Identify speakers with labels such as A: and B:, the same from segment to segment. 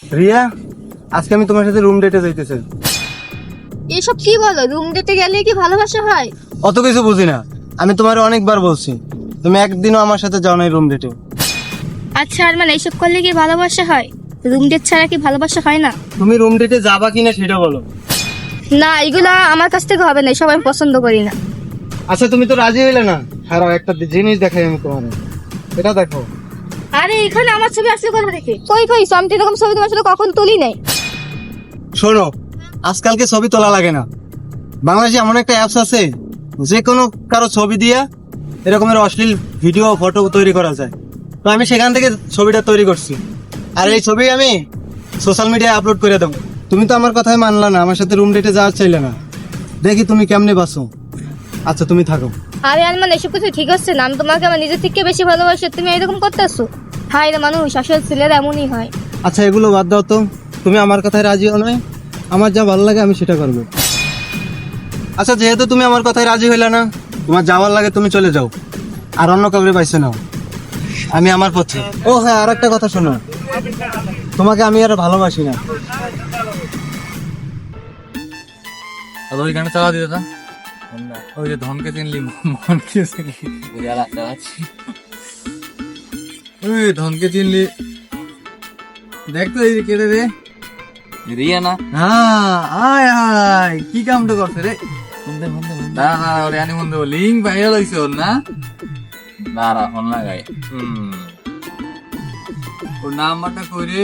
A: রিয়া, আজকে আমি তোমার সাথে রুম ডেটে যাইতেছি।
B: এসব কি বলো? রুম ডেটে গেলে কি ভালোবাসা হয়?
A: অত কিছু বুঝি না, আমি তোমার অনেকবার বলছি, তুমি একদিনও আমার সাথে যাও নাই রুম ডেটে।
B: আচ্ছা আর মানে এইসব করলে কি ভালোবাসা হয়? রুম ডেট ছাড়া কি ভালোবাসা হয় না?
A: তুমি রুম ডেটে যাবা কিনা সেটা বলো।
B: না, এগুলা আমার কাছ থেকে হবে না, এসব আমি পছন্দ করি না।
A: আচ্ছা তুমি তো রাজি হইলে না, খারাপ একটা জিনিস দেখাই আমি তোমার, এটা দেখো।
B: আরে এখানে আমার ছবি আসলে কোথা থেকে? কই কই, আমি তো এরকম ছবি তোমার সাথে কখন তুলি নাই।
A: শোনো, আজকালকে ছবি তোলা লাগে না, বাংলাদেশে এমন একটা অ্যাপস আছে যে কোনো কারো ছবি দিয়ে এরকমের অশ্লীল ভিডিও ফটো তৈরি করা যায়। তো আমি সেখান থেকে ছবিটা তৈরি করছি, আর এই ছবি আমি সোশ্যাল মিডিয়ায় আপলোড করে দেবো। তুমি তো আমার কথাই মানলা না, আমার সাথে রুম ডেটে যাওয়ার চাইলে না, দেখি তুমি কেমনে বাসো। আচ্ছা তুমি থাকো।
B: আরে আর মানে এসব কিছু ঠিক হচ্ছে না, আমি তোমাকে আমার নিজের থেকে বেশি ভালোবাসি, তুমি এরকম করতেছো? হাই রে মানুষ, আসলে ছেলেরা এমনই হয়।
A: আচ্ছা এগুলো বাদ দাও তো, তুমি আমার কথায় রাজি হও নয়, আমার যা ভালো লাগে আমি সেটা করবো। আচ্ছা যেহেতু তুমি আমার কথায় রাজি হইলে না, তোমার যাওয়ার লাগে তুমি চলে যাও, আর অন্য কাউকে পাইছে নাও, আমি আমার পথে। ও হ্যাঁ, আর একটা কথা শোনো, তোমাকে আমি আর ভালোবাসি না।
C: ওই গানটা চালা দিতে ওই যে ধনকে চিনলি মনকে চিনলি ওই ধনকে চিনলি, দেখ তো এই কেটে রে রিয়া না। হ্যাঁ আয় হায়, কি কামটা করছে রে? দাঁড়া দাঁড়া, ওরে আনি মন্দ লিঙ্ক ভাইরাল হয়েছে ওর না, দাঁড়া ফোন লাগাই। ওর নাম্বারটা কই রে?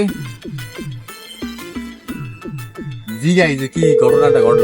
C: জিগাই যে কি ঘটনাটা ঘটল।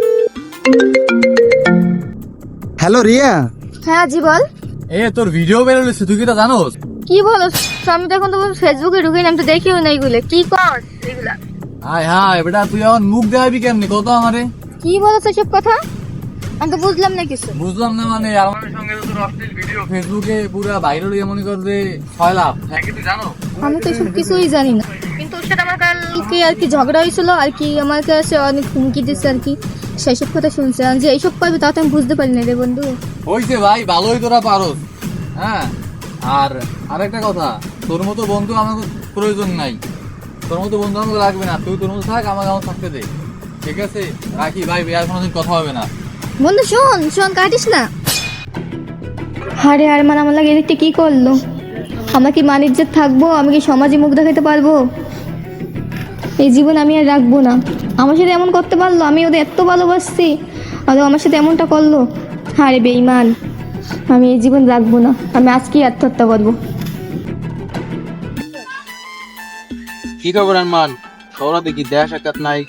A: হ্যালো রিয়া।
B: হ্যাঁ জি বল।
C: এ তোর ভিডিও বেরোলেছে, তুই কি তা জানোস?
B: কি বলো? আমি তো এখন তো ফেসবুকে ঢুকি না, আমি তো দেখিও না এগুলো। কি কর এগুলা?
C: হায় হায় বেটা, তুই এখন মুখ দেখাবি কেমনি কত আমারে?
B: কি বলছো সব কথা? আমি তো বুঝলাম না কিছু।
C: বুঝলাম না মানে, আমার সঙ্গে তো তোর অশ্লীল ভিডিও ফেসবুকে পুরো ভাইরাল হয়ে মনে কর যে 6 লাখ, হ্যাঁ কি তুই জানো?
B: আমি তো এসব কিছুই জানি না, কিন্তু ওর সাথে আমার কালকে আর কি ঝগড়া হয়েছিল, আর কি আমার কাছে অনেক হুমকি দিচ্ছে আর কি, সেসব কথা শুনছে। আর যে এইসব পাইবে তা তো আমি বুঝতে পারি না রে বন্ধু।
C: হইছে ভাই, ভালোই তোরা পারোস। হ্যাঁ, আর আরেকটা কথা, তোর মতো বন্ধু আমাকে প্রয়োজন নাই, তোর মতো বন্ধু আমাকে লাগবে না, তুই তোর মতো থাক, আমাকে আমার থাকতে দে, ঠিক আছে? রাখি ভাই, আর কোনোদিন কথা হবে না।
B: বন্ধু শোন শোন, কাটিস না। আরে আর মানে আমার লাগে এদিকটা কি করলো? আমরা কি মানিজ্যে থাকবো? আমি কি সমাজে মুখ দেখাতে পারবো? এই জীবন আমি আর রাখবো না। আমার সাথে এমন করতে পারলো? আমি ওদের এত ভালোবাসছি, আর ও আমার সাথে এমনটা করলো। আরে বেঈমান, আমি এই জীবন রাখবো না, আমি আজকেই আত্মহত্যা করবো।
A: কি খবর আরমান? খবর দেখি দেহা সাক্ষাৎ নাই।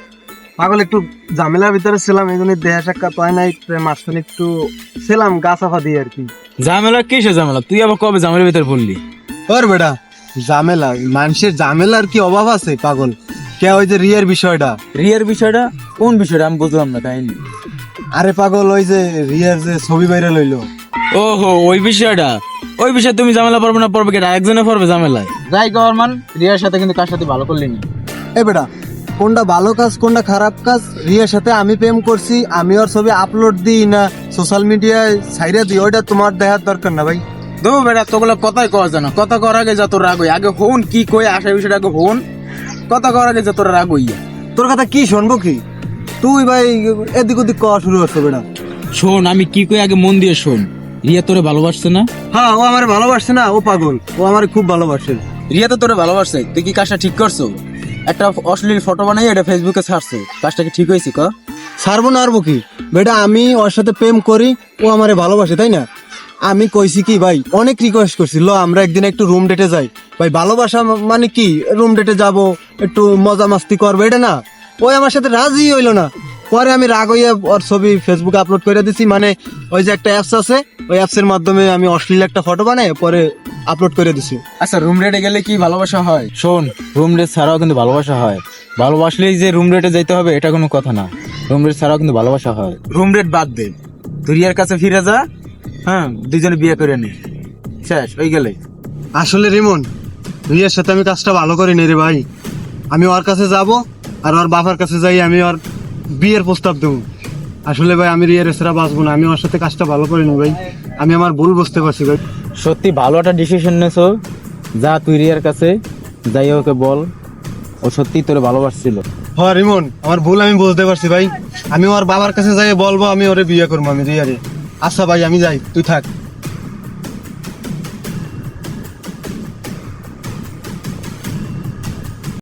A: পাগল একটু ঝামেলার ভিতরে ছিলাম, এই জন্য দেহা সাক্ষাৎ হয় নাই, মাঝখানে একটু ছিলাম গা চাপা দিয়ে আর কি।
D: ঝামেলা কিসে ঝামেলা? তুই আবার কবে ঝামেলার ভিতরে পড়লি?
A: ওর বেটা ঝামেলা, মানুষের ঝামেলার কি অভাব আছে পাগল? কে ওই যে রিয়ার বিষয়টা?
D: রিয়ার বিষয়টা কোন বিষয়টা আমি বুঝলাম না কাহিনী।
A: আরে পাগল, ওই যে রিয়ার যে ছবি বাইরে লইলো।
D: ওহো, ওই বিষয়টা। ওই বিষয়ে তুমি ঝামেলা পড়বে না, পড়বে কেটা? একজনে পড়বে ঝামেলায়।
A: যাই গভর্নমেন্ট রিয়ার সাথে কিন্তু কার সাথে ভালো করলি না। এ বেটা, কোনটা ভালো কাজ কোনটা খারাপ কাজ? রিয়ার সাথে আমি প্রেম করছি, আমি ওর ছবি আপলোড দিই না সোশ্যাল মিডিয়ায় ছাইরে দিই, ওইটা তোমার দেখার দরকার না ভাই।
D: দো বেটা, তোগুলো কথাই কওয়া জানো, কথা কর আগে যত রাগ হই। আগে হন কি কই আসা বিষয়টা আগে হন, কথা কর আগে যত রাগ হইয়া।
A: তোর কথা কি শুনবো কি? তুই ভাই এদিক ওদিক কওয়া শুরু করছো বেটা।
D: শোন, আমি কি কই আগে মন দিয়ে শোন। রিয়া তোরে ভালোবাসছে না?
A: হ্যাঁ, ও আমার ভালোবাসছে না, ও পাগল, ও আমার খুব ভালোবাসে।
D: রিয়া তো তোরে ভালোবাসছে, তুই কি কাজটা ঠিক করছো? একটা অশ্লীল ফটো বানাই এটা ফেসবুকে ছাড়ছো, কাজটা কি ঠিক হয়েছে ক?
A: ছাড়বো না আরবো কি বেটা, আমি ওর সাথে প্রেম করি, ও আমারে ভালোবাসে, তাই না? আমি কইছি কি ভাই, অনেক রিকোয়েস্ট করছি, লো আমরা একদিন একটু রুম ডেটে যাই। ভাই ভালোবাসা মানে কি, রুম ডেটে যাব, একটু মজা মাস্তি করবো, এটা না। ওই আমার সাথে রাজি হইলো না, পরে আমি রাগ হইয়া ওর ছবি ফেসবুকে আপলোড করে দিছি। মানে ওই যে একটা অ্যাপস আছে, ওই অ্যাপসের মাধ্যমে আমি অশ্লীল একটা ফটো বানাই পরে আপলোড করে দিছি।
D: আচ্ছা, রুম রেটে গেলে কি ভালোবাসা হয়? শোন, রুম রেট ছাড়াও কিন্তু ভালোবাসা হয়। ভালোবাসলেই যে রুম রেটে যাইতে হবে এটা কোনো কথা না, রুম রেট ছাড়াও কিন্তু ভালোবাসা হয়। রুম রেট বাদ দে, তুই রিয়ার কাছে ফিরে যা, হ্যাঁ, দুজনে বিয়ে করে নি, শেষ হয়ে গেলে।
A: আসলে রিমন, রিয়ার সাথে আমি কাজটা ভালো করি নি রে ভাই। আমি ওর কাছে যাব, আর ওর বাবার কাছে যাই আমি ওর বিয়ের প্রস্তাব দেবো। আসলে ভাই আমি রিয়ার ছাড়া বাঁচবো না, আমি ওর সাথে কাজটা ভালো করি নি ভাই, আমি আমার ভুল বুঝতে পারছি ভাই।
D: সত্যি ভালো একটা ডিসিশন নেছো, যা তুই রিয়ার কাছে যাই, ওকে বল ও সত্যি তোরে ভালোবাসছিল।
A: হ্যাঁ রিমন, আমার ভুল আমি বুঝতে পারছি ভাই। আমি ওর বাবার কাছে যাই বলবো আমি ওরে বিয়ে করবো, আমি রিয়ারে। আচ্ছা ভাই আমি যাই, তুই থাক।